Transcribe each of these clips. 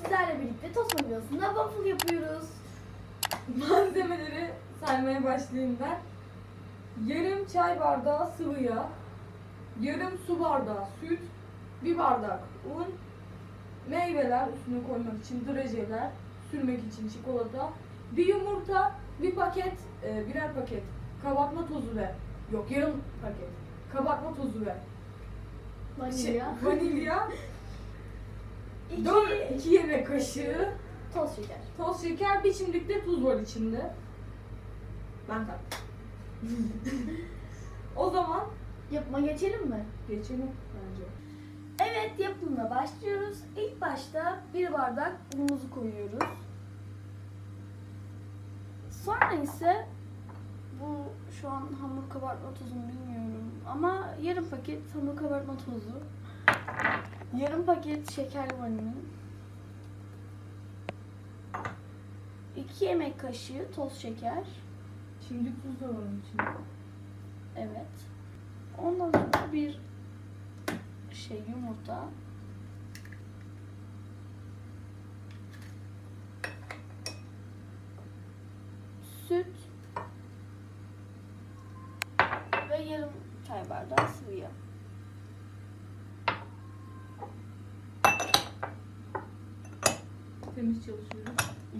sizlerle birlikte tost makinesinde waffle yapıyoruz. Malzemeleri saymaya başlayayım ben. Yarım çay bardağı sıvı yağ, yarım su bardağı süt, bir bardak un, meyveler üstüne koymak için drajeler, sürmek için çikolata, bir yumurta, birer paket kabartma tozu ve yarım paket kabartma tozu ve vanilya, 2 yemek kaşığı toz şeker. bir çimdik tuz var içinde. Ben kattım. O zaman Yapıma geçelim mi? geçelim bence. Evet, yapımına başlıyoruz. İlk başta bir bardak unumuzu koyuyoruz. Sonra ise bu şu an hamur kabartma tozunu bilmiyorum ama yarım paket hamur kabartma tozu, yarım paket şeker vanilin, 2 yemek kaşığı toz şeker. Şimdi tuz da var onun içinde. Evet. Ondan sonra bir yumurta. Süt. Ve yarım çay bardağı sıvı yağ. Temiz çalışıyorum.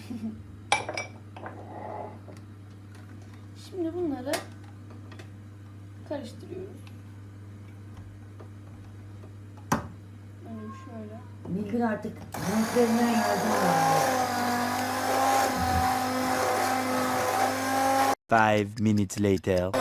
Şimdi bunları karıştırıyoruz. Böyle şöyle. Nilgün artık renklerinden yardım alıyor. 5 minutes later.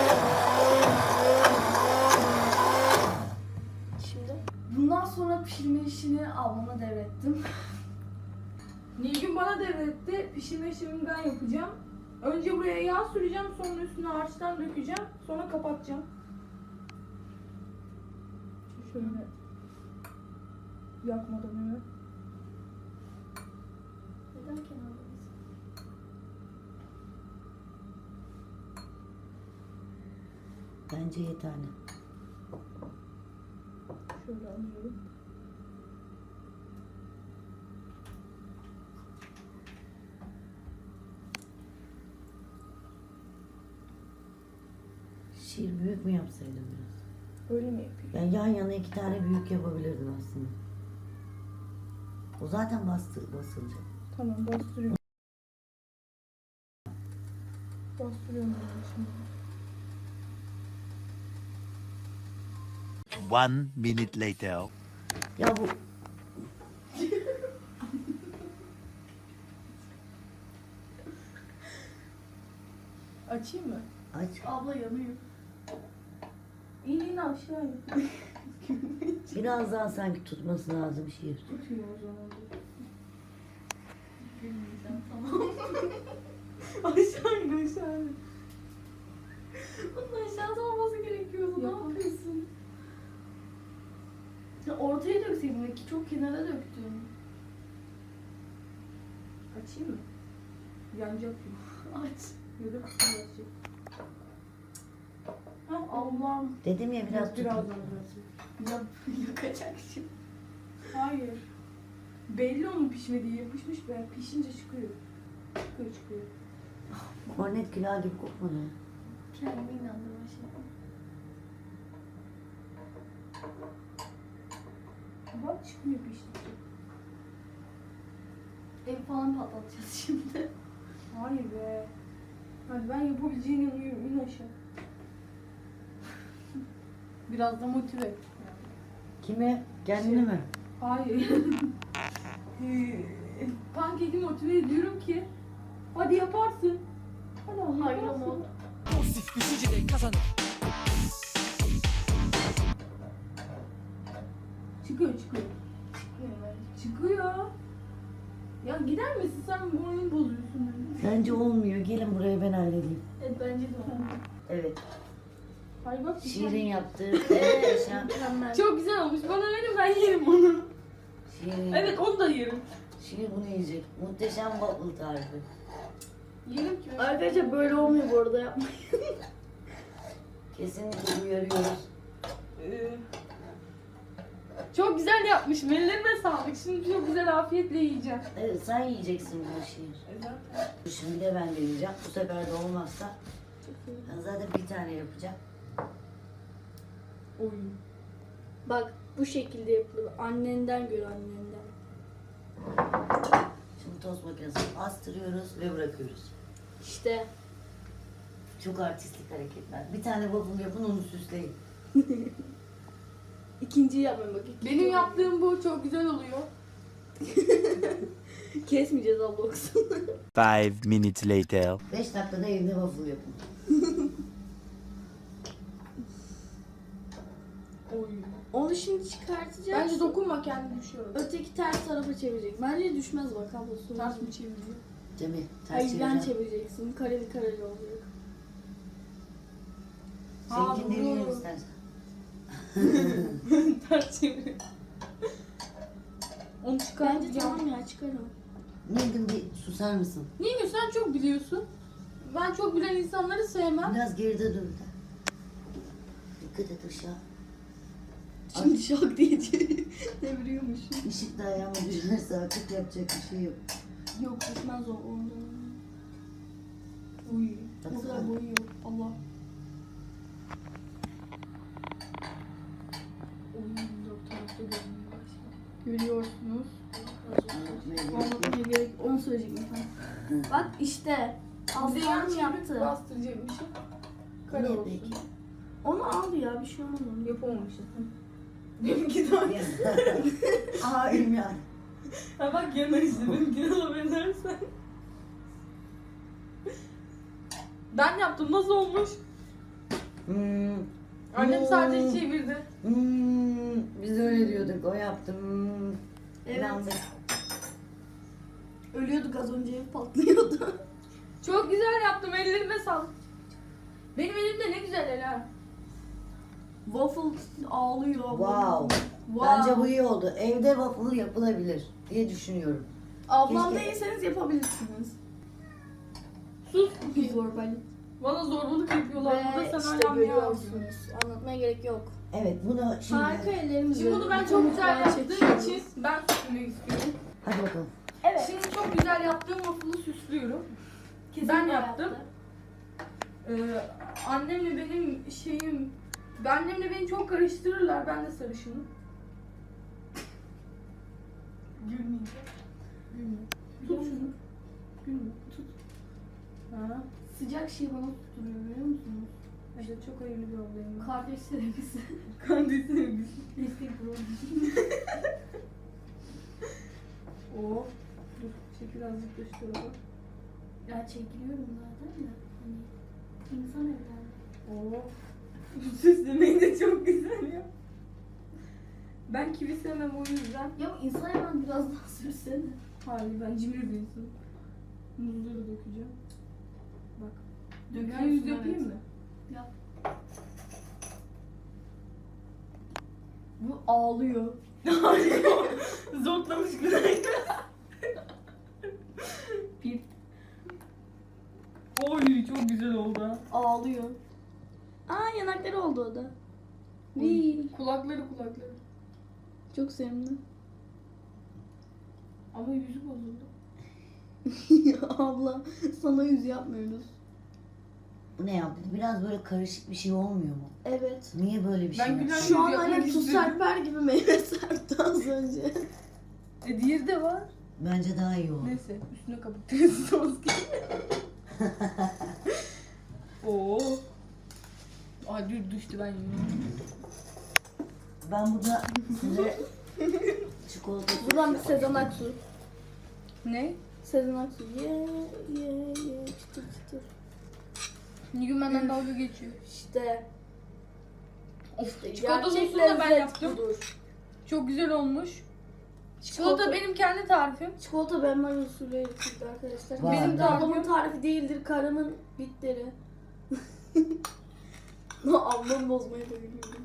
Şimdi bundan sonra pişirme işini ablama devrettim. Nilgün bana devretti. Pişirme işlemini ben yapacağım. Önce buraya yağ süreceğim, sonra üstüne harçtan dökeceğim, sonra kapatacağım. Şöyle yakmadan evet. Neden kenardayız? Bence yeterli. Şöyle alıyorum. Şiir büyük mü yapsaydım biraz? Öyle mi yapayım? Yani yan yana 2 tane büyük yapabilirdim aslında. O zaten basılacak. Tamam, bastırıyorum. Bastırıyorum ben şimdi. 1 minute later. Ya bu Açayım mı? aç. Abla yanıyor. İn aşağı in. Biraz daha sanki tutması lazım şiir. Tutayım o zaman. Gülmeyeceğim, tamam. Aşağı in aşağı in. Bunun aşağıda olması gerekiyordu. Ne Yapalım. yapıyorsun? Ya ortaya dökseydin belki, çok kenara döktün. Açayım mı? Yanacak çünkü. Aç. Ya da kısırlaşacak. Hah, Allah'ım. Dedim ya biraz Biraz tutun. daha. Yakacak şimdi. Hayır. Belli onun pişmediği, yapışmış be. Pişince çıkıyor. Çıkıyor. Kornet külahı gibi kokmadı. Kendime inandırma şey. Bak çıkmıyor piştikçe. Ev falan patlatacağız şimdi. Hayır be. Hadi ben yapabileceğine inanıyorum. İn aşağı. Biraz da motive et. Kime? Kendini mi? Hayır. Pankeki motive ediyorum ki hadi yaparsın. Hadi ama Hayır yaparsın. ama Pozitif düşünceyle kazanır. Çıkıyor. çıkmıyor bence. Çıkıyor. Ya gider misin sen, bu oyunu bozuyorsun beni. Bence olmuyor. Gelin buraya ben halledeyim. Bence de olmadı. Evet. Hayır bak. Şiirin yaptığı muhteşem. Mükemmel. Çok güzel olmuş. Bana verin, ben yerim onu. Şiirin, Evet, onu da yerim. Şiir bunu yiyecek. Muhteşem waffle tarifi. Yerim ki. Arkadaşlar böyle olmuyor bu arada, yapmayın. Kesinlikle uyarıyoruz. Ee, Çok güzel yapmışım. Ellerime sağlık. Şimdi çok güzel afiyetle yiyeceğim. Evet, sen yiyeceksin bu şeyi. Şimdi de ben deneyeceğim. Bu sefer de olmazsa ben zaten bir tane yapacağım. Oy. Bak bu şekilde yapılır. Annenden gör annenden. Şimdi tost makinesine astırıyoruz ve bırakıyoruz. İşte. Çok artistik hareketler. Bir tane waffle yapın, onu süsleyin. İkinciyi yapmayın bak. Benim yaptığım bu çok güzel oluyor. Kesmeyeceğiz abla olsun. 5 minutes later. 5 dakikada evde waffle yapın. Oy. Onu şimdi çıkartacağız. Bence dokunma, kendi düşüyor. Öteki ters tarafa çevirecek. Bence düşmez bak abla. Sonra. Ters mi çeviriyor? Cemil, ters Hayır ben çevireceğim. çevireceksin. Kareli kareli olacak. Seninkini deneyelim doğru. istersen. Ters çeviriyor. Onu çıkar. Bence tamam ya çıkarım. Nilgün bir susar mısın? Niye sen çok biliyorsun? Ben çok bilen insanları sevmem. Biraz geride dur da. Dikkat et ışığa. Şimdi şok diye çeviriyormuşum. Işık da ayağıma düşerse artık yapacak bir şey yok. Yok düşmez o ondan. Uy. O Baksana. kadar boyu yok. Allah. Oy. Dört tarafta görünüyor. Görüyorsunuz. Anlatmaya gerek yok. Anlatmaya gerek. Onu söyleyecektim sen. Bak işte. Bize yan Ablam çevirip yaptı. bastıracakmışım. Kare Ne olsun. peki? Onu aldı ya bir şey olmadı. Yapamamışız. Benimki daha iyi. Aa İlmihan. Ha bak yanar işte. Benimkine alabilirsen. Ben yaptım. Nasıl olmuş? Annem sadece çevirdi. Biz öyle diyorduk. O yaptı. Evet. İnandık. Ölüyorduk az önce patlıyordu. Çok güzel yaptım. Ellerime sağlık. Benim elimde ne güzel el ha. Waffle ağlıyor. Wow. Bence bu iyi oldu. Evde waffle yapılabilir diye düşünüyorum. Ablam Keşke- değilseniz yapabilirsiniz. Sus. Zorbalık. Bana zorbalık yapıyorlar. Ve Burada sen işte hala ne yapıyorsun? görüyorsunuz. Anlatmaya gerek yok. Evet, bunu şimdi... Harika ellerimiz. Şimdi bunu ben çok güzel yaptığım için ben süslemek istiyorum. Hadi bakalım. Evet. Şimdi çok güzel yaptığım waffle'ı süslüyorum. Ben yaptım. Annemle benim şeyim... Annemle beni çok karıştırırlar. Ben de sarışınım. Gülmeyeceğim. Gülme. Tut şunu. Gülme. Tut. Ha. Sıcak şey bana tutturuyor biliyor musunuz? Evet, çok hayırlı bir olayım. Kardeş sevgisi. Kandil sevgisi. Destek program. Oo. Dur. Çekil azıcık da şu tarafa. Ya çekiliyorum zaten de. Hani insan evladı. Oo. Süslemeyi de çok güzel ya. Ben kivi sevmem o yüzden. Ya insan hemen biraz daha sürsene. Hayır, ben cimri bir insanım. Muzları dökeceğim. Bak. Dünya Döküyorsun, yüz yapayım evet. mı? Yap. Bu ağlıyor. Zortlamış güzel. Bir Oy, çok güzel oldu ha. ağlıyor. Aa yanakları oldu o da. Oy, Vii. kulakları. Çok sevimli. Ama yüzü bozuldu. Abla sana yüz yapmıyoruz. Bu ne yaptı? Biraz böyle karışık bir şey olmuyor mu? Evet. Niye böyle bir Ben şey gülen- yaptı? Şu an yapmak hani tuz istiyorum. serper gibi meyve serpti az önce. Diğeri de var. Bence daha iyi oldu. Neyse, üstüne kapatıyoruz sos gibi. Oo. Ay dur, düştü ben yiyeyim. Ben burada size çikolata Buradan bir Sezen Aksu. Ne? Sezen Aksu. Ye çıtır çıtır. Nilgün benden dalga geçiyor. İşte. Of, Gerçek çikolata sosunu da ben lezzet yaptım. budur. Çok güzel olmuş. Çikolata benim kendi tarifim. Çikolata benmar usulü yapıldı arkadaşlar. Vay Benim be. de ablamın tarifi değildir. Karımın bitleri. Ablam bozmaya bayılıyorum.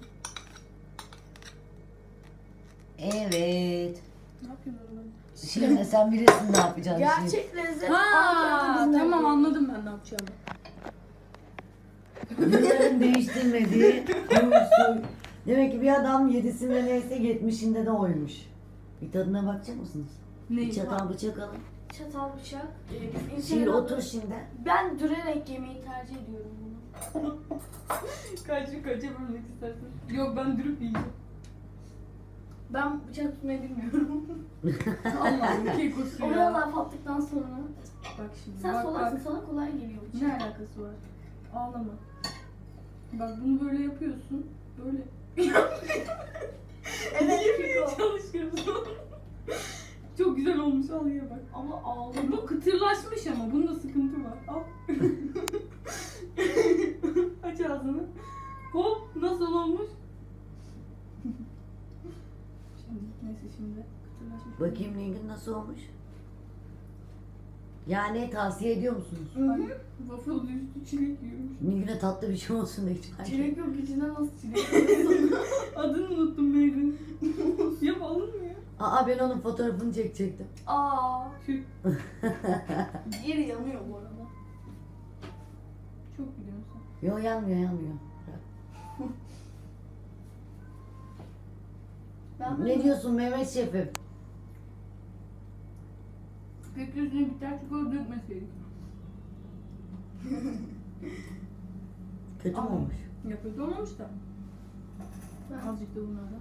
Evet. Ne yapıyorsun orada? Şimdi sen bilirsin ne yapacağını. Gerçek lezzet. Ha, Ankara'da tamam bizden anladım ben ne yapacağımı. Yılların değiştirmediği usul Demek ki bir adam 7'sinde neyse 70'inde de oymuş. Bir tadına bakacak mısınız? Ne? Bir çatal bıçak alın. Çatal bıçak. Şiir otur şimdi. Ben dürerek yemeyi tercih ediyorum bunu. Kaça bölmek istersin? Yok ben dürüp yiyeceğim. Ben bıçak tutmayı bilmiyorum. Allah'ım kekosu ya. Oraya laf attıktan sonra. Bak şimdi. Sen bak, solarsın, bak. sana kolay geliyor bıçak. Ne alakası var? Ağlama. Bak bunu böyle yapıyorsun. Böyle. Evet, Yemeye çalışıyorsun. Çok güzel olmuş al ye bak. ama ağlama. Bu kıtırlaşmış ama bunda sıkıntı var. Al. Aç ağzını. Hop nasıl olmuş? Şimdi neyse şimdi kıtırlaşmış. Bakayım Nilgün nasıl olmuş? Yani tavsiye ediyor musunuz? Ay, waffle üstü çilek yiyormuş. Nilgün'e tatlı bir şey olsun da hiç Çilek yok, içinden nasıl çilek? Adını unuttum Meyrin. Yap alın mı ya? Aa ben onun fotoğrafını çekecektim. Aa, Tüh. yeri yanıyor bu arada. Çok biliyorsun sen. Yo yanmıyor. Ben Ne diyorsun Mehmet Şef'im? Peki üstüne bitter çikolata dökmeseydik. Kötü mü Ama- olmuş? Ya kötü olmamış da. Ben- Azıcık da bunlardan.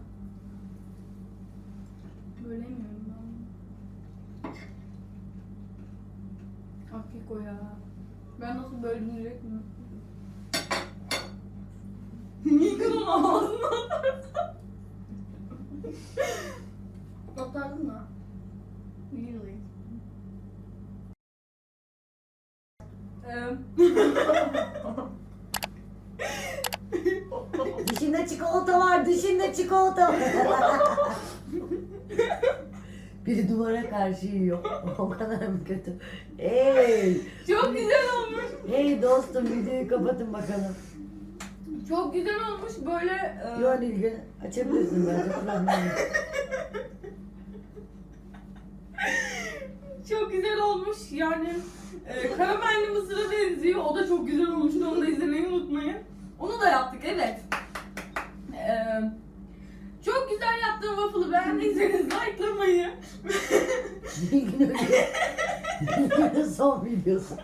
Böyle yemiyorum ben. Ah keko ya. Ben nasıl böldüm direkt mi? Yıkın onu ağzına atarsan. Atardın mı? Really? Dişinde çikolata var, dişinde çikolata var. Biri duvara karşı yiyor. O kadar mı kötü? Hey! Çok güzel olmuş. Hey dostum videoyu kapatın bakalım. Çok güzel olmuş böyle. Yo Nilgün açabilirsin bence problem yok. Çok güzel olmuş yani karamelli mısıra benziyor. O da çok güzel olmuştu. Onu da izlemeyi unutmayın. Onu da yaptık evet. Çok güzel yaptığım waffle'ı beğendiyseniz likelamayı. Nilgün öyle. Nilgün'ün son videosu.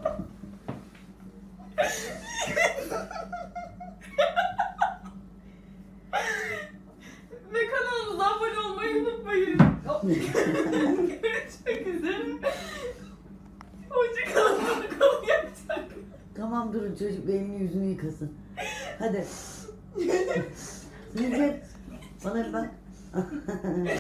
Ve kanalımıza abone olmayı unutmayın. Görüşmek üzere. Hoşçakalın. Konu yapacak. Tamam durun çocuk elini yüzünü yıkasın. Hadi. Nilgün bana bir bak.